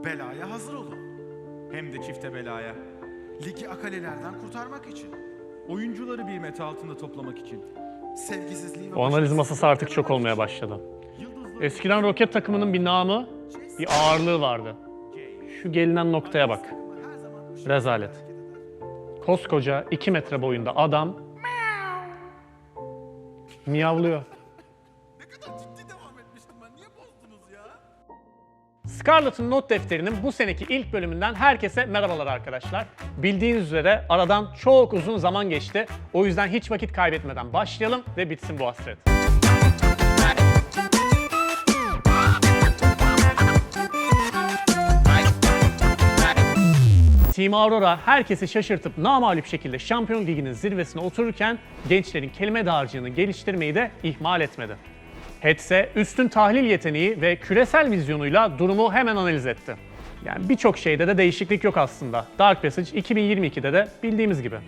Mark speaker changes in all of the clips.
Speaker 1: belaya hazır olun. Hem de çifte belaya. Ligi akalelerden kurtarmak için.
Speaker 2: Oyuncuları bir meta altında toplamak için.
Speaker 1: Sevgisizliği ve
Speaker 3: O analiz masası artık çok olmaya başladı. Eskiden Roket takımının bir namı, bir ağırlığı vardı. Şu gelinen noktaya bak. Rezalet. Koskoca 2 metre boyunda adam miyavlıyor.
Speaker 1: Ne kadar ciddi devam etmiştim ben. Niye bozdunuz ya?
Speaker 3: Scarlett'ın not defterinin bu seneki ilk bölümünden herkese merhabalar arkadaşlar. Bildiğiniz üzere aradan çok uzun zaman geçti. O yüzden hiç vakit kaybetmeden başlayalım ve bitsin bu hasret. Team Aurora herkesi şaşırtıp namağlup şekilde Şampiyon Ligi'nin zirvesine otururken gençlerin kelime dağarcığını geliştirmeyi de ihmal etmedi. Hetse üstün tahlil yeteneği ve küresel vizyonuyla durumu hemen analiz etti. Yani birçok şeyde de değişiklik yok aslında. Dark Passage 2022'de de bildiğimiz gibi.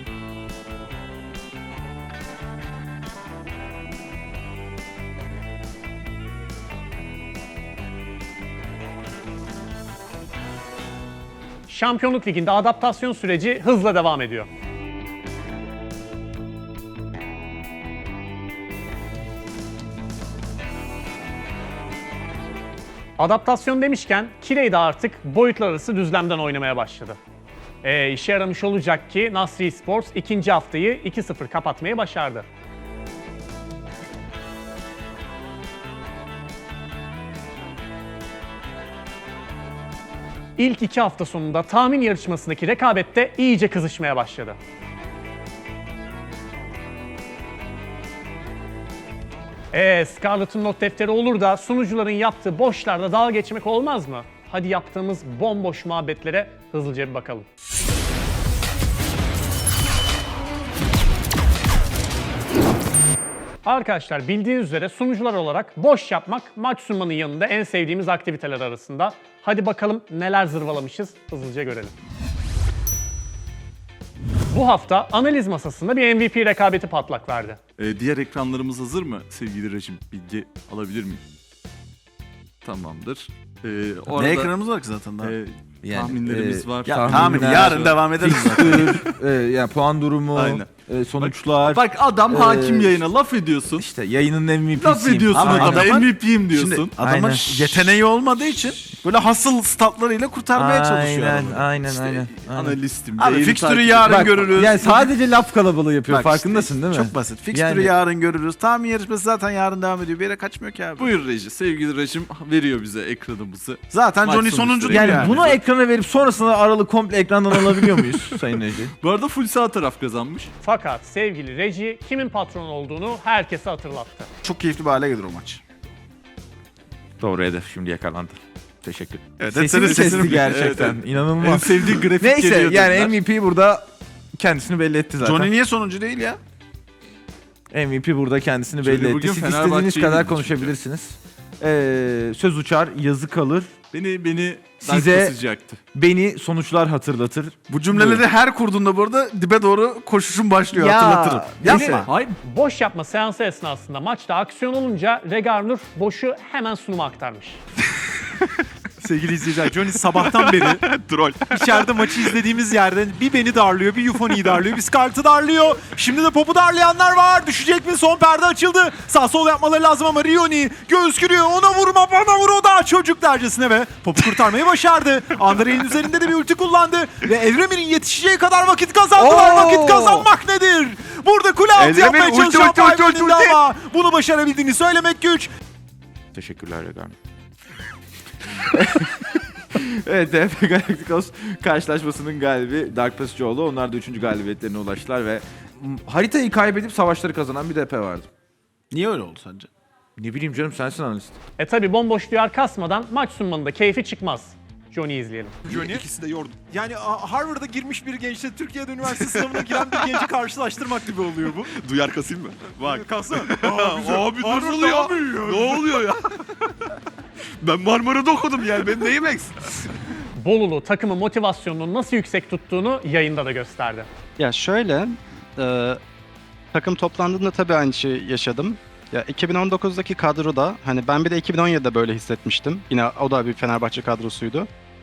Speaker 3: Şampiyonluk Ligi'nde adaptasyon süreci hızla devam ediyor. Adaptasyon demişken Kirey de artık boyutlar arası düzlemden oynamaya başladı. İşe yaramış olacak ki Nasri Sports ikinci haftayı 2-0 kapatmayı başardı. İlk 2 hafta sonunda tahmin yarışmasındaki rekabette iyice kızışmaya başladı. Scarlett'ın not defteri olur da sunucuların yaptığı boşlarda dalga geçmek olmaz mı? Hadi yaptığımız bomboş muhabbetlere hızlıca bir bakalım. Arkadaşlar bildiğiniz üzere sunucular olarak boş yapmak maç sunmanın yanında en sevdiğimiz aktiviteler arasında. Hadi bakalım neler zırvalamışız hızlıca görelim. Bu hafta analiz masasında bir MVP rekabeti patlak verdi.
Speaker 4: Diğer ekranlarımız hazır mı sevgili rejim? Bilgi alabilir miyim? Tamamdır.
Speaker 1: Ne ekranımız var ki zaten daha?
Speaker 4: Tahminlerimiz var.
Speaker 1: Ya
Speaker 5: tahminler,
Speaker 1: tahmin yarın devam ederiz zaten.
Speaker 5: Yani puan durumu,
Speaker 4: Aynen.
Speaker 5: sonuçlar.
Speaker 4: Bak adam hakim yayına laf ediyorsun.
Speaker 5: İşte yayının MVP'siyim.
Speaker 4: Laf ediyorsun
Speaker 1: Ama
Speaker 4: adama
Speaker 1: adamın-
Speaker 4: MVP'yim diyorsun.
Speaker 1: Şimdi adamın
Speaker 5: Aynen.
Speaker 1: yeteneği olmadığı için böyle hasıl statlarıyla kurtarmaya çalışıyor adamı.
Speaker 5: Aynen.
Speaker 4: Analistim.
Speaker 1: Abi
Speaker 4: yayını
Speaker 1: fikstürü
Speaker 4: takip-
Speaker 1: yarın
Speaker 5: Bak,
Speaker 1: görürüz.
Speaker 5: yani sadece laf kalabalığı yapıyor.
Speaker 1: Bak
Speaker 5: Farkındasın
Speaker 1: işte,
Speaker 5: değil mi?
Speaker 1: Çok basit. Fikstürü
Speaker 5: Yani-
Speaker 1: yarın görürüz. Tahmin yarışması zaten yarın devam ediyor. Bir yere kaçmıyor ki abi.
Speaker 4: Buyur reji. Sevgili rejim veriyor bize ekranımızı.
Speaker 1: Zaten
Speaker 4: Maç
Speaker 1: Johnny
Speaker 4: sonuçları.
Speaker 1: sonuncu değil
Speaker 5: Yani bunu ekrana verip sonrasında aralı komple ekrandan alabiliyor muyuz Sayın Ece?
Speaker 4: Bu arada full sağ taraf kazanmış.
Speaker 3: Fakat sevgili Reji kimin patron olduğunu herkese hatırlattı.
Speaker 1: çok keyifli bir hale gelir o maç.
Speaker 5: Doğru hedef şimdi yakalandı. Teşekkür.
Speaker 1: Evet,
Speaker 5: Sesini
Speaker 1: sesini-
Speaker 5: kesti
Speaker 1: sesini-
Speaker 5: gerçekten.
Speaker 4: En
Speaker 5: İnanılmaz.
Speaker 4: sevdiği grafik
Speaker 5: Neyse
Speaker 4: geliyor
Speaker 5: yani
Speaker 4: dediler.
Speaker 5: MVP burada kendisini belli etti zaten.
Speaker 1: Johnny niye sonuncu değil ya?
Speaker 5: MVP burada kendisini
Speaker 4: Johnny
Speaker 5: belli etti.
Speaker 4: bugün
Speaker 5: Siz
Speaker 4: Fenerbahçe'yi
Speaker 5: istediğiniz kadar
Speaker 4: bildi
Speaker 5: konuşabilirsiniz. Söz uçar, yazı kalır.
Speaker 4: Beni
Speaker 5: Size-
Speaker 4: sıcaktı.
Speaker 5: Beni sonuçlar hatırlatır.
Speaker 1: Bu cümleleri her kurduğunda bu arada dibe doğru koşuşun başlıyor, hatırlatırım.
Speaker 5: neyse.
Speaker 1: Yapma.
Speaker 4: Hayır.
Speaker 3: Boş yapma seansı esnasında maçta aksiyon olunca Regarnur boşu hemen sunuma aktarmış.
Speaker 6: Sevgili izleyiciler, Johnny sabahtan beri
Speaker 4: Troll.
Speaker 6: içeride maçı izlediğimiz yerden bir beni darlıyor, bir Euphony'yi darlıyor, bir Scarlett'ı darlıyor. Şimdi de Pop'u darlayanlar var. Düşecek mi? Son perde açıldı. Sağ sol yapmaları lazım ama Rioni göğüs giriyor. Ona vurma, bana vur o da çocuk dercesine ve Pop'u kurtarmayı başardı. Andrei'nin üzerinde de bir ulti kullandı ve Evremir'in yetişeceği kadar vakit kazandılar.
Speaker 5: Oo!
Speaker 6: Vakit kazanmak nedir? Burada kule altı
Speaker 1: Evremir,
Speaker 6: yapmaya
Speaker 1: ulti,
Speaker 6: çalışan
Speaker 1: ulti, ulti,
Speaker 6: Fireman'ın
Speaker 1: ulti.
Speaker 6: ama bunu başarabildiğini söylemek güç.
Speaker 5: Teşekkürler Regan. Evet, DF Galacticos karşılaşmasının galibi Dark Passage'oğlu. Onlar da 3. galibiyetlerine ulaştılar ve haritayı kaybedip savaşları kazanan bir DP vardı.
Speaker 1: Niye öyle oldu sence?
Speaker 5: Ne bileyim canım, sensin analist.
Speaker 3: Tabi bomboş duyar kasmadan maç sunmanın da keyfi çıkmaz. Johnny'yi izleyelim.
Speaker 6: Johnny. İkisi de yordu. Yani Harvard'a girmiş bir gençle Türkiye'de üniversite sınavına giren bir genci karşılaştırmak gibi oluyor bu.
Speaker 4: Duyar kasayım mı? Bak.
Speaker 6: Kalsana.
Speaker 4: Abi nasıl ya? Ne oluyor ya? Ben Marmara'da okudum yani. Benim neyim eksik?
Speaker 3: Bolulu takımın motivasyonunu nasıl yüksek tuttuğunu yayında da gösterdi.
Speaker 7: Ya şöyle, takım toplandığında tabii aynı şeyi yaşadım. Ya 2019'daki kadroda, hani ben bir de 2017'de böyle hissetmiştim. Yine o da bir Fenerbahçe kadrosuydu.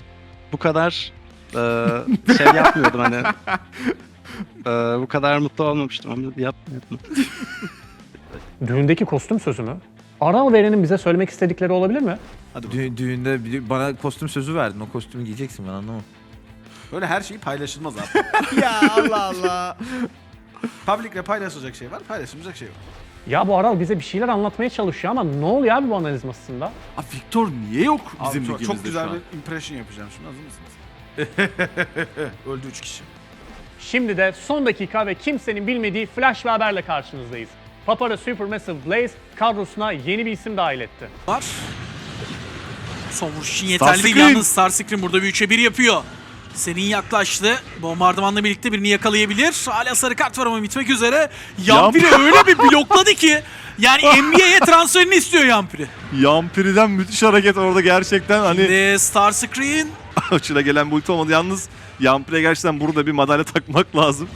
Speaker 7: bu kadar şey yapmıyordum hani. Bu kadar mutlu olmamıştım ama yapmıyordum.
Speaker 3: Düğündeki kostüm sözü mü? Aral Veren'in bize söylemek istedikleri olabilir mi?
Speaker 5: Düğünde bana kostüm sözü verdin. O kostümü giyeceksin, ben anlamam.
Speaker 1: Böyle her şey paylaşılmaz abi. Ya Allah Allah. Public'le paylaşılacak şey var, paylaşılmayacak şey var.
Speaker 3: Ya bu Aral bize bir şeyler anlatmaya çalışıyor ama ne oluyor abi bu analiz masasında?
Speaker 5: Abi Victor niye yok bizim
Speaker 1: Abi
Speaker 5: ligimizde
Speaker 1: çok
Speaker 5: şu
Speaker 1: güzel
Speaker 5: an?
Speaker 1: bir impression yapacağım şimdi, hazır mısınız? Öldü 3 kişi.
Speaker 3: Şimdi de son dakika ve kimsenin bilmediği flash bir haberle karşınızdayız. Papara Supermassive Blaze kadrosuna yeni bir isim dahil etti.
Speaker 8: Var. Son vuruş için yeterli değil
Speaker 5: Starscream.
Speaker 8: yalnız. Starscream burada bir 3'e 1 yapıyor. Senin yaklaştı. Bombardımanla birlikte birini yakalayabilir. Hala sarı kart var ama bitmek üzere. Yampiri öyle bir blokladı ki. Yani NBA'ye transferini istiyor Yampiri.
Speaker 4: Yampiri'den müthiş hareket orada gerçekten hani
Speaker 8: Şimdi Starscream
Speaker 4: açıla gelen bu ulti olmadı. Yalnız Yampiri'ye gerçekten burada bir madalya takmak lazım.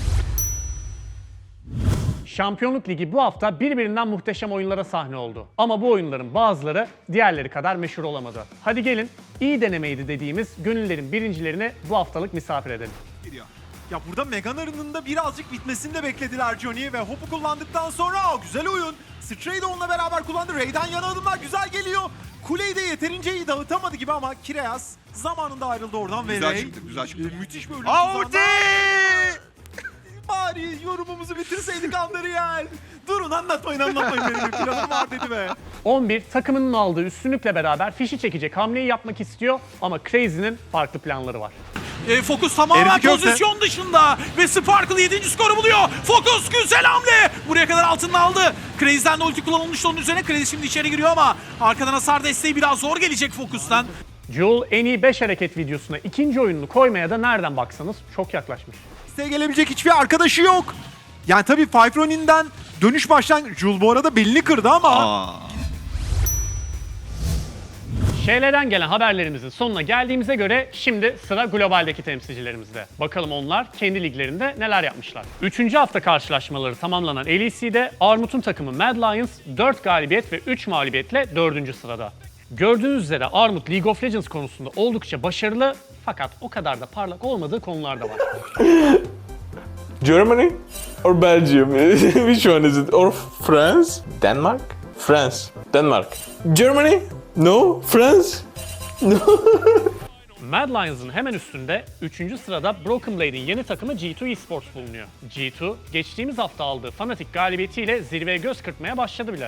Speaker 3: Şampiyonluk Ligi bu hafta birbirinden muhteşem oyunlara sahne oldu. Ama bu oyunların bazıları diğerleri kadar meşhur olamadı. Hadi gelin iyi denemeydi dediğimiz gönüllerin birincilerini bu haftalık misafir edelim.
Speaker 6: Ya burada Megan arının da birazcık bitmesini de beklediler Johnny ve Hop'u kullandıktan sonra güzel oyun. Stray de onunla beraber kullandı. Ray'den yana adımlar güzel geliyor. Kuleyi de yeterince iyi dağıtamadı gibi ama Kireas zamanında ayrıldı oradan ve
Speaker 4: Güzel
Speaker 6: Ray
Speaker 4: çıktı, güzel çıktı.
Speaker 6: müthiş bir ölüm
Speaker 5: Ulti!
Speaker 6: tuzağından- Bari yorumumuzu bitirseydik Andariel. Durun anlatmayın benim bir planım var dedi be.
Speaker 3: 11 takımının aldığı üstünlükle beraber fişi çekecek hamleyi yapmak istiyor ama Crazy'nin farklı planları var.
Speaker 8: Focus tamamen
Speaker 6: Eridi köfte.
Speaker 8: pozisyon dışında ve Sparkle 7. skoru buluyor. Focus güzel hamle. Buraya kadar altını aldı. Crazy'den de ulti kullanılmıştı onun üzerine. Crazy şimdi içeri giriyor ama arkadan hasar desteği biraz zor gelecek Focus'tan.
Speaker 3: Jewel en iyi 5 hareket videosuna ikinci oyununu koymaya da nereden baksanız çok yaklaşmış.
Speaker 6: Size gelebilecek hiçbir arkadaşı yok. Yani tabii Five Ronin'den dönüş başlangıç. Jul bu arada belini kırdı ama
Speaker 3: Şeylerden gelen haberlerimizin sonuna geldiğimize göre şimdi sıra globaldeki temsilcilerimizde. Bakalım onlar kendi liglerinde neler yapmışlar. 3. hafta karşılaşmaları tamamlanan LEC'de Armut'un takımı Mad Lions 4 galibiyet ve 3 mağlubiyetle 4. sırada. Gördüğünüz üzere Armut League of Legends konusunda oldukça başarılı fakat o kadar da parlak olmadığı konular da var.
Speaker 9: Germany or Belgium? Which one is it? Or France? Denmark? France. Denmark. Germany? No. France? No.
Speaker 3: Mad Lions'ın hemen üstünde 3. sırada Broken Blade'in yeni takımı G2 Esports bulunuyor. G2, geçtiğimiz hafta aldığı Fnatic galibiyetiyle zirveye göz kırpmaya başladı bile.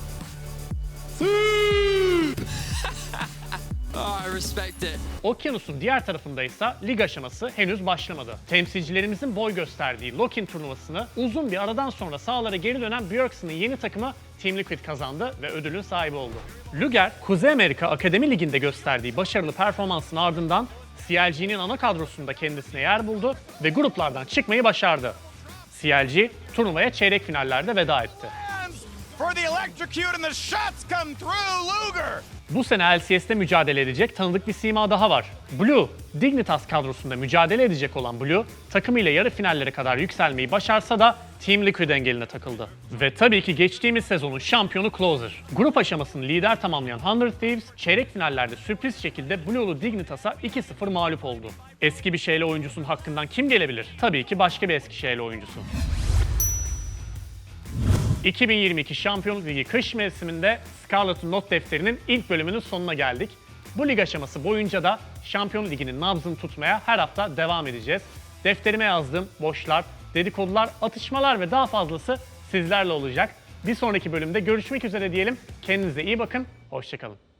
Speaker 10: I respect it.
Speaker 3: Okyanusun diğer tarafında ise lig aşaması henüz başlamadı. Temsilcilerimizin boy gösterdiği Lock-in turnuvasını uzun bir aradan sonra sahalara geri dönen Bjergsen'ın yeni takımı Team Liquid kazandı ve ödülün sahibi oldu. Luger, Kuzey Amerika Akademi Ligi'nde gösterdiği başarılı performansın ardından CLG'nin ana kadrosunda kendisine yer buldu ve gruplardan çıkmayı başardı. CLG turnuvaya çeyrek finallerde veda etti. Bu sene LCS'te mücadele edecek tanıdık bir sima daha var. Blue, Dignitas kadrosunda mücadele edecek olan Blue, takımıyla yarı finallere kadar yükselmeyi başarsa da Team Liquid engeline takıldı. Ve tabii ki geçtiğimiz sezonun şampiyonu Closer. Grup aşamasını lider tamamlayan 100 Thieves, çeyrek finallerde sürpriz şekilde Blue'lu Dignitas'a 2-0 mağlup oldu. Eski bir şeyle oyuncusunun hakkından kim gelebilir? Tabii ki başka bir eski şeyle oyuncusu. 2022 Şampiyonluk Ligi kış mevsiminde Scarlet'ın not defterinin ilk bölümünün sonuna geldik. Bu lig aşaması boyunca da Şampiyonluk Ligi'nin nabzını tutmaya her hafta devam edeceğiz. Defterime yazdığım boşlar, dedikodular, atışmalar ve daha fazlası sizlerle olacak. Bir sonraki bölümde görüşmek üzere diyelim. Kendinize iyi bakın, hoşça kalın.